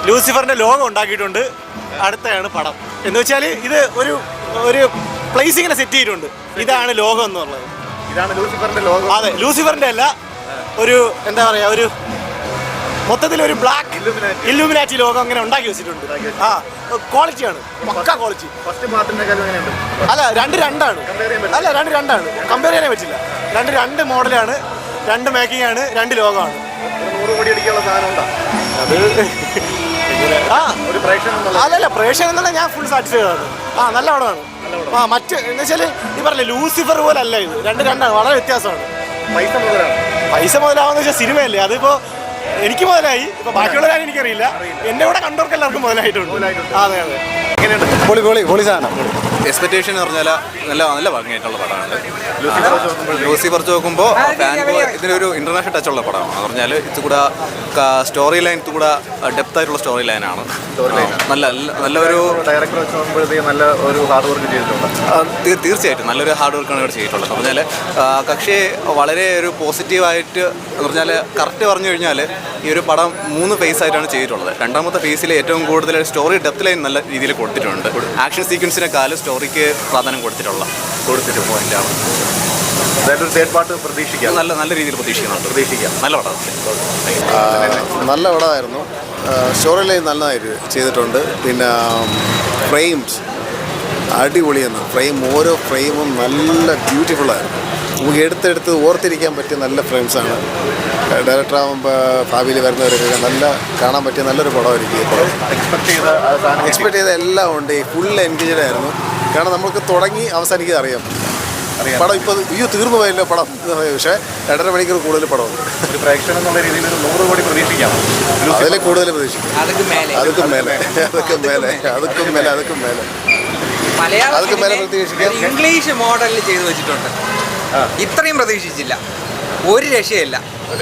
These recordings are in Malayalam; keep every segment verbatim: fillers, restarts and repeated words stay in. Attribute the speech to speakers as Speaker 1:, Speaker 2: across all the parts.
Speaker 1: ലൂസിഫറിന്റെ ലോഗോ ഉണ്ടാക്കിയിട്ടുണ്ട്. അടുത്താണ് പടം എന്ന് വെച്ചാൽ ഇത് ഒരു ഒരു പ്ലേസിങ്ങനെ സെറ്റ് ചെയ്തിട്ടുണ്ട്. ഇതാണ് ലോഗോ എന്നുള്ളത്.
Speaker 2: ഇതാണ് ലൂസിഫറിന്റെ ലോഗോ.
Speaker 1: അതെ, ലൂസിഫറിന്റെ അല്ല, ഒരു എന്താ പറയാ, ഒരു മൊത്തത്തിൽ ഒരു ബ്ലാക്ക് ഇല്ലുമിനാറ്റി ലോഗോ അങ്ങനെ ഉണ്ടാക്കി വെച്ചിട്ടുണ്ട്. ആ ക്വാളിറ്റിയാണ്, പക്ക ക്വാളിറ്റി. അല്ല രണ്ട് രണ്ടാണ് അല്ല രണ്ട് രണ്ടാണ് കമ്പയർ ചെയ്യാനേ പറ്റില്ല. രണ്ട് രണ്ട് മോഡലാണ്, രണ്ട് മേക്കിംഗ് ആണ്, രണ്ട് ലോഗോ ആണ്. അത് ആ അല്ലല്ല പ്രേക്ഷകൻ എന്നുള്ള ഞാൻ ഫുൾ സാറ്റിസ്ഫൈഡ് ആണ്. ആ നല്ല പടമാണ്. ആ മറ്റ് എന്ന് വെച്ചാൽ ഈ പറഞ്ഞില്ലേ ലൂസിഫർ പോലെ അല്ല ഇത്, രണ്ട് രണ്ടാണ്, വളരെ വ്യത്യാസമാണ്.
Speaker 2: പൈസ മുതലാണ്
Speaker 1: പൈസ മുതലാവെന്ന് വെച്ചാൽ സിനിമയല്ലേ, അതിപ്പോ എനിക്ക് മുതലായി, ഇപ്പൊ ബാക്കിയുള്ളവരാരും എനിക്കറിയില്ല, എന്റെ കൂടെ കണ്ടവർക്ക് എല്ലാവർക്കും മുതലായിട്ടുണ്ട്. അതെ അതെ
Speaker 2: പൊളി പൊളി പൊളി സാധനം.
Speaker 3: എക്സ്പെക്ടേഷൻ എന്ന് പറഞ്ഞാൽ നല്ല നല്ല ഭംഗിയായിട്ടുള്ള പടമാണ്. ലൂസിഫർ നോക്കുമ്പോൾ ഫാൻ ബോയ് ഇതിനൊരു ഇന്റർനാഷണൽ ടച്ചുള്ള പടമാണ്. എന്ന് പറഞ്ഞാൽ ഇത് കൂടെ സ്റ്റോറി ലൈൻ ഇത് കൂടെ ഡെപ്ത് ആയിട്ടുള്ള സ്റ്റോറി ലൈനാണ്. നല്ല നല്ല ഒരു
Speaker 2: ഡയറക്ടർ വെച്ച് നോക്കുമ്പോഴത്തേക്ക് നല്ല ഒരു ഹാർഡ് വർക്ക് ചെയ്തിട്ടുണ്ട്.
Speaker 3: തീർച്ചയായിട്ടും നല്ലൊരു ഹാർഡ് വർക്കാണ് ഇവിടെ ചെയ്തിട്ടുള്ളത്. എന്ന് പറഞ്ഞാൽ കക്ഷി വളരെ ഒരു പോസിറ്റീവായിട്ട് എന്ന് പറഞ്ഞാൽ കറക്റ്റ് പറഞ്ഞു കഴിഞ്ഞാൽ ഈ ഒരു പടം മൂന്ന് ഫേസ് ആയിട്ടാണ് ചെയ്തിട്ടുള്ളത്. രണ്ടാമത്തെ ഫേസിൽ ഏറ്റവും കൂടുതൽ സ്റ്റോറി ഡെപ്ത് ലൈൻ നല്ല രീതിയിൽ കൊടുത്തിട്ടുണ്ട്. ആക്ഷൻ സീക്വൻസിനെക്കാളും സ്റ്റോറിക്ക് പ്രാധാന്യം കൊടുത്തിട്ടുള്ള കൊടുത്തിട്ട് പോയിന്റാണ്.
Speaker 2: അതായത് തേർഡ് പാർട്ട് പ്രതീക്ഷിക്കാം,
Speaker 3: നല്ല നല്ല രീതിയിൽ പ്രതീക്ഷിക്കുന്നുണ്ട്. പ്രതീക്ഷിക്കാം. നല്ല പടം,
Speaker 4: നല്ല പടമായിരുന്നു. സ്റ്റോറി ലൈൻ നല്ലതായിട്ട് ചെയ്തിട്ടുണ്ട്. പിന്നെ ഫ്രെയിംസ് അടിപൊളിയെന്ന്, ഫ്രെയിം ഓരോ ഫ്രെയിമും നല്ല ബ്യൂട്ടിഫുള്ളായിരുന്നു. നമുക്ക് എടുത്തെടുത്ത് ഓർത്തിരിക്കാൻ പറ്റിയ നല്ല ഫ്രെയിംസാണ്. ഡയറക്ടർ ആകുമ്പോൾ ഭാവിയിൽ വരുന്നവരൊക്കെ നല്ല കാണാൻ പറ്റിയ നല്ലൊരു പടമായിരിക്കും ഈ പടം.
Speaker 2: എക്സ്പെക്ട് ചെയ്ത
Speaker 4: എക്സ്പെക്ട് ചെയ്ത എല്ലാം ഉണ്ട്. ഫുൾ എൻഗേജഡ് ആയിരുന്നു. കാരണം നമുക്ക് തുടങ്ങി അവസാനിക്കാൻ അറിയാം പടം. ഇപ്പോൾ അയ്യോ തീർന്നു പോയല്ലോ പടം എന്ന് പറയും, പക്ഷേ രണ്ടര മണിക്കൂർ കൂടുതൽ പടമുണ്ട്.
Speaker 2: ഒരു പ്രേക്ഷകൻ എന്നുള്ള രീതിയിൽ ഒരു നൂറ് കോടി പ്രതീക്ഷിക്കാം.
Speaker 4: അതിൽ കൂടുതൽ പ്രതീക്ഷിക്കാം. അതൊക്കെ മേലെ അതൊക്കെ മേലെ അതൊക്കെ മേലെ അതൊക്കെ മേലെ അതൊക്കെ മേലെ പ്രതീക്ഷിക്കാം.
Speaker 5: ഇംഗ്ലീഷ് മോഡലിൽ ചെയ്തു വെച്ചിട്ടുണ്ട്. ഇത്രയും പ്രതീക്ഷിച്ചില്ല, ഒരു രക്ഷയില്ല.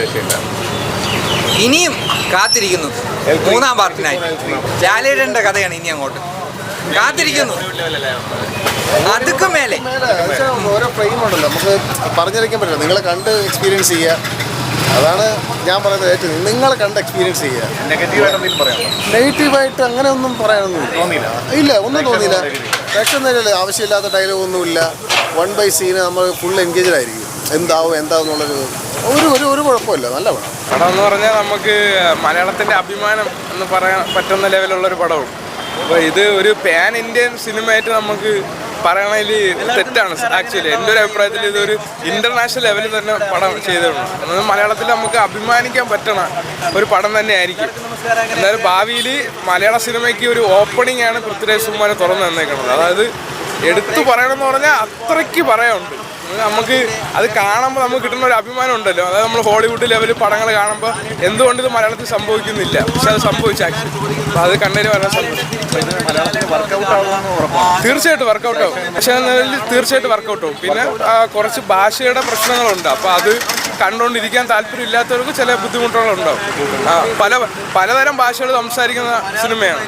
Speaker 5: ഇനിയും കാത്തിരിക്കുന്നു മൂന്നാം പാർട്ടിനായി. ലാലേട്ടൻ്റെ കഥയാണ് ഇനി അങ്ങോട്ട് കാത്തിരിക്കുന്നു. അതൊക്കെ മേലെ
Speaker 4: ഓരോ ഫ്രെയിം ഉണ്ടല്ലോ, നമുക്ക് പറഞ്ഞറിയിക്കാൻ പറ്റില്ല. നിങ്ങളെ കണ്ട് എക്സ്പീരിയൻസ് ചെയ്യുക, അതാണ് ഞാൻ പറയുന്നത്. ഏറ്റവും നിങ്ങളെ കണ്ട് എക്സ്പീരിയൻസ് ചെയ്യുക.
Speaker 2: നെഗറ്റീവായിട്ട് പറയാം.
Speaker 4: നെഗറ്റീവായിട്ട് അങ്ങനെ ഒന്നും പറയാനൊന്നും തോന്നിയില്ല. ഇല്ല, ഒന്നും തോന്നിയില്ല. പ്രേക്ഷകൻ നേരല്ലേ, ആവശ്യമില്ലാത്ത ഡയലോഗ് ഒന്നുമില്ല. വൺ ബൈ സീന് നമ്മൾ ഫുൾ എൻഗേജഡ് ആയിരിക്കും. എന്താവും എന്താവും എന്നുള്ളൊരു ഒരു ഒരു ഒരു കുഴപ്പമില്ല. നല്ല പടം.
Speaker 6: പടം എന്ന് പറഞ്ഞാൽ നമുക്ക് മലയാളത്തിൻ്റെ അഭിമാനം എന്ന് പറയാൻ പറ്റുന്ന ലെവലുള്ളൊരു പടവും. അപ്പോൾ ഇത് ഒരു പാൻ ഇന്ത്യൻ സിനിമയായിട്ട് നമുക്ക് പറയണതിൽ തെറ്റാണ്. ആക്ച്വലി എൻ്റെ ഒരു അഭിപ്രായത്തിൽ ഇതൊരു ഇൻ്റർനാഷണൽ ലെവലിൽ തന്നെ പടം ചെയ്തിട്ടുണ്ട്. അതായത് മലയാളത്തിൽ നമുക്ക് അഭിമാനിക്കാൻ പറ്റണ ഒരു പടം തന്നെ ആയിരിക്കും. എന്നാലും ഭാവിയിൽ മലയാള സിനിമയ്ക്ക് ഒരു ഓപ്പണിംഗ് ആണ് പൃഥ്വിരാജ് സുകുമാരൻ തുറന്നു തന്നേക്കുന്നത്. അതായത് എടുത്തു പറയണമെന്ന് പറഞ്ഞാൽ അത്രയ്ക്ക് പറയാനുണ്ട്. നമുക്ക് അത് കാണുമ്പോൾ നമുക്ക് കിട്ടുന്ന ഒരു അഭിമാനം ഉണ്ടല്ലോ. അതായത് നമ്മൾ ഹോളിവുഡ് ലെവലിൽ പടങ്ങൾ കാണുമ്പോൾ എന്തുകൊണ്ട് ഇത് മലയാളത്തിൽ സംഭവിക്കുന്നില്ല, പക്ഷെ അത് സംഭവിച്ചു ആക്ച്വലി. അപ്പോൾ അത് കണ്ടതിന് വളരെ സന്തോഷം. തീർച്ചയായിട്ടും വർക്കൗട്ട് ആവും. പക്ഷേ തീർച്ചയായിട്ടും വർക്കൗട്ട് ആവും. പിന്നെ കുറച്ച് ഭാഷയുടെ പ്രശ്നങ്ങളുണ്ട്. അപ്പോൾ അത് കണ്ടുകൊണ്ടിരിക്കാൻ താല്പര്യം ഇല്ലാത്തവർക്ക് ചില ബുദ്ധിമുട്ടുകളുണ്ടാവും. പല പലതരം ഭാഷകൾ സംസാരിക്കുന്ന സിനിമയാണ്.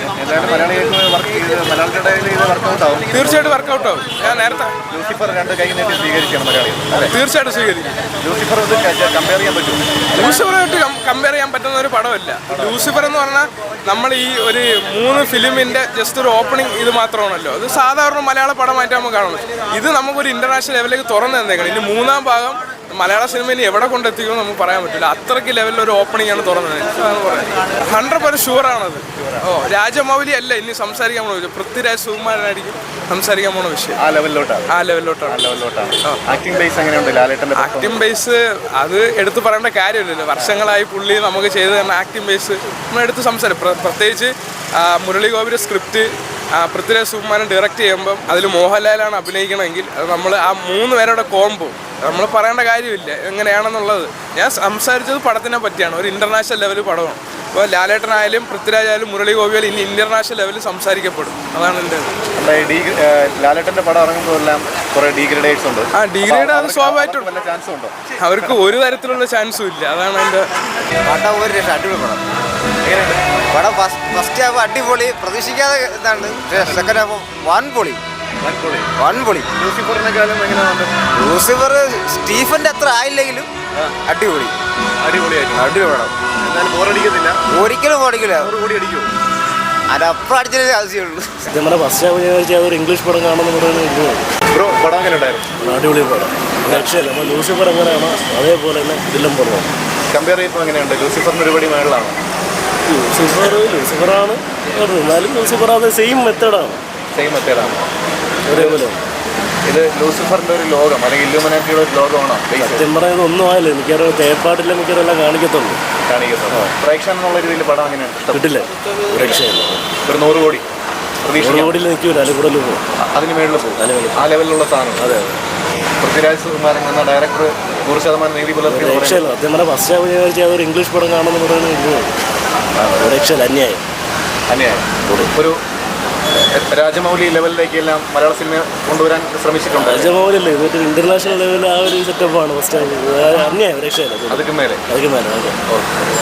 Speaker 6: തീർച്ചയായിട്ടും വർക്കൗട്ട് ആവും. ഞാൻ നേരത്തെ തീർച്ചയായിട്ടും സ്വീകരിക്കും. ലൂസിഫറുമായിട്ട് കമ്പയർ ചെയ്യാൻ പറ്റുന്ന ഒരു പടമല്ല. ലൂസിഫർ എന്ന് പറഞ്ഞാൽ നമ്മൾ ഈ ഒരു മൂന്ന് ഫിലിമിൻ്റെ ജസ്റ്റ് ഒരു ഓപ്പണിംഗ് ഇത് മാത്രമാണല്ലോ. അത് സാധാരണ മലയാള പടമായിട്ട് നമുക്ക് കാണുന്നത്. ഇത് നമുക്കൊരു ഇൻ്റർനാഷണൽ ലെവലിലേക്ക് തുറന്നു തന്നേക്കണം. ഇനി മൂന്നാം ഭാഗം മലയാള സിനിമയിൽ എവിടെ കൊണ്ടെത്തിക്കുമെന്ന് നമുക്ക് പറയാൻ പറ്റില്ല. അത്രയ്ക്ക് ലെവലിൽ ഒരു ഓപ്പണിംഗ് ആണ് തുറന്നത്. ഹൺഡ്രഡ് പെർസെന്റ് ഷുവറാണത്. ഓ രാജമൗലി അല്ല ഇനി സംസാരിക്കാൻ പോണ വിഷയം, പൃഥ്വിരാജ് സുകുമാരനായിരിക്കും സംസാരിക്കാൻ പോണ വിഷയം.
Speaker 2: ആ ലെവലിലോട്ടാണ്
Speaker 6: ആ ലെവലിലോട്ടാണ്
Speaker 2: ആക്ടിംഗ് ബേസ് എങ്ങനെയുണ്ട് ലാലേട്ടൻ്റെ?
Speaker 6: ആക്ടിംഗ് ബേസ് അത് എടുത്തു പറയേണ്ട കാര്യമില്ലല്ലോ. വർഷങ്ങളായി പുള്ളി നമുക്ക് ചെയ്ത് തന്ന ആക്ടിംഗ് ബേസ് നമ്മൾ എടുത്ത് സംസാരിക്കും. പ്രത്യേകിച്ച് മുരളി ഗോപിയുടെ സ്ക്രിപ്റ്റ് പൃഥ്വിരാജ് സുകുമാരൻ ഡയറക്റ്റ് ചെയ്യുമ്പം അതിൽ മോഹൻലാലാണ് അഭിനയിക്കണമെങ്കിൽ അത് നമ്മൾ ആ മൂന്ന് പേരുടെ കോംബോ നമ്മൾ പറയേണ്ട കാര്യമില്ല എങ്ങനെയാണെന്നുള്ളത്. ഞാൻ സംസാരിച്ചത് പടത്തിനെ പറ്റിയാണ്. ഒരു ഇൻ്റർനാഷണൽ ലെവൽ പടമാണ്. അപ്പോൾ ലാലേട്ടനായാലും പൃഥ്വിരാജായാലും മുരളി ഗോപിയാലും ഇനി ഇൻ്റർനാഷണൽ ലെവലിൽ സംസാരിക്കപ്പെടും. അതാണ് എൻ്റെ
Speaker 2: ലാലേട്ടൻ്റെ പടം ഇറങ്ങുമ്പോൾ എല്ലാം കുറേ ഡീഗ്രഡേറ്റ്സ് ഉണ്ട്.
Speaker 6: ആ ഡീഗ്രേഡ് അത് സ്വാഭാവികമായിട്ടും
Speaker 2: വല്ല ചാൻസും ഉണ്ടോ?
Speaker 6: അവർക്ക് ഒരു തരത്തിലുള്ള ചാൻസും ഇല്ല. അതാണ് എൻ്റെ
Speaker 5: പടം. ഒരു രക്ഷ അടിപൊളി പടം. പടം ഫസ്റ്റ് ഹാഫ് അടിപൊളി, പ്രതീക്ഷിക്കാതെ ഇതാണ്. സെക്കൻഡ് ഹാഫ് വൺ പൊളി വൺ പൊളി.
Speaker 2: ലൂസിഫറിനെക്കാളും എങ്ങനെയാണ്?
Speaker 5: ലൂസിഫർ സ്റ്റീഫന്റെ അത്ര ആയില്ലെങ്കിലും അടിപൊളി
Speaker 2: അടിപൊളിയായിട്ട്
Speaker 5: അടിപൊളി പടം.
Speaker 2: എന്നാലും ബോറടിക്കത്തില്ല.
Speaker 5: ഒരിക്കലും ഓടിക്കില്ല.
Speaker 2: നൂറ് കോടി അടിക്കുമോ?
Speaker 5: അതിനപ്പുറം അടിച്ചതേ ആവശ്യമുള്ളൂ.
Speaker 7: നമ്മുടെ ഫസ്റ്റ് ഹാഫ് ഞാൻ വെച്ചാൽ അതൊരു ഇംഗ്ലീഷ് പടം കാണുമെന്ന് പറയുന്നത്
Speaker 2: ബ്രോ പടം എങ്ങനെ ഉണ്ടായിരുന്നു?
Speaker 7: അടിപൊളി പടം. രക്ഷയില്ല. നമ്മൾ ലൂസിഫർ എങ്ങനെയാണോ അതേപോലെ തന്നെ ഇതിലും പടമാണ്.
Speaker 2: കമ്പയർ ചെയ്യുമ്പോൾ എങ്ങനെയുണ്ട്? ലൂസിഫറിന് ഒരുപടി മേളിലാണ്.
Speaker 7: ലൂസിഫർ ലൂസിഫറാണ് എന്നാലും ലൂസിഫർ അത് സെയിം മെത്തേഡാണ്.
Speaker 2: സെയിം മെത്തേഡാണ്.
Speaker 7: ഒരേപോലെ
Speaker 2: ഇത് ലൂസിഫറിന്റെ ഒരു ലോകം അല്ലെങ്കിൽ ഇല്ലുമിനാറ്റിയുടെ ഒരു ലോകമാണോ
Speaker 7: സത്യം പറയുന്നത് ഒന്നും ആയില്ല. എനിക്കറിയാം തേപ്പാട്ടില്ല മിക്കതെല്ലാം കാണിക്കത്തുള്ളൂ.
Speaker 2: കാണിക്കുന്നത് പ്രേക്ഷകൻ എന്നുള്ള രീതിയിൽ പടം എങ്ങനെയാണ്?
Speaker 7: കിട്ടില്ല. രക്ഷയില്ല.
Speaker 2: ഒരു നൂറ് കോടി പ്രതീക്ഷിക്കാം.
Speaker 7: കോടിയിൽ നിൽക്കൂല. അതിൽ കൂടുതൽ പോകും.
Speaker 2: അതിന് മേളിൽ പോകും. ആ ലെവലിലുള്ള സാധനം.
Speaker 7: അതെ
Speaker 2: പൃഥ്വിരാജ് സുകുമാരൻ എന്ന ഡയറക്ടർ നൂറ് ശതമാനം നീതി പുലർത്തി.
Speaker 7: രക്ഷയില്ല. സത്യം പറഞ്ഞാൽ ഫസ്റ്റ് ഹാഫ് ഞാൻ വെച്ചാൽ അതൊരു ഇംഗ്ലീഷ് പടം കാണുമെന്ന് പറയുന്നത് രക്ഷയില്ല. അന്യായം.
Speaker 2: അന്യായം. ഒരു രാജമൗലി ലെവലിലേക്ക് എല്ലാം മലയാള സിനിമ കൊണ്ടുവരാൻ ശ്രമിച്ചിട്ടുണ്ട്.
Speaker 7: രാജമൗലല്ലേ ഇതൊരു ഇന്റർനാഷണൽ ലെവലിൽ ആ ഒരു സെറ്റപ്പാണ് ഫസ്റ്റ് ഹാഫ്. അന്യായം. രക്ഷയില്ല.
Speaker 2: അതൊക്കെ മേലെ
Speaker 7: അതൊക്കെ മേലെ.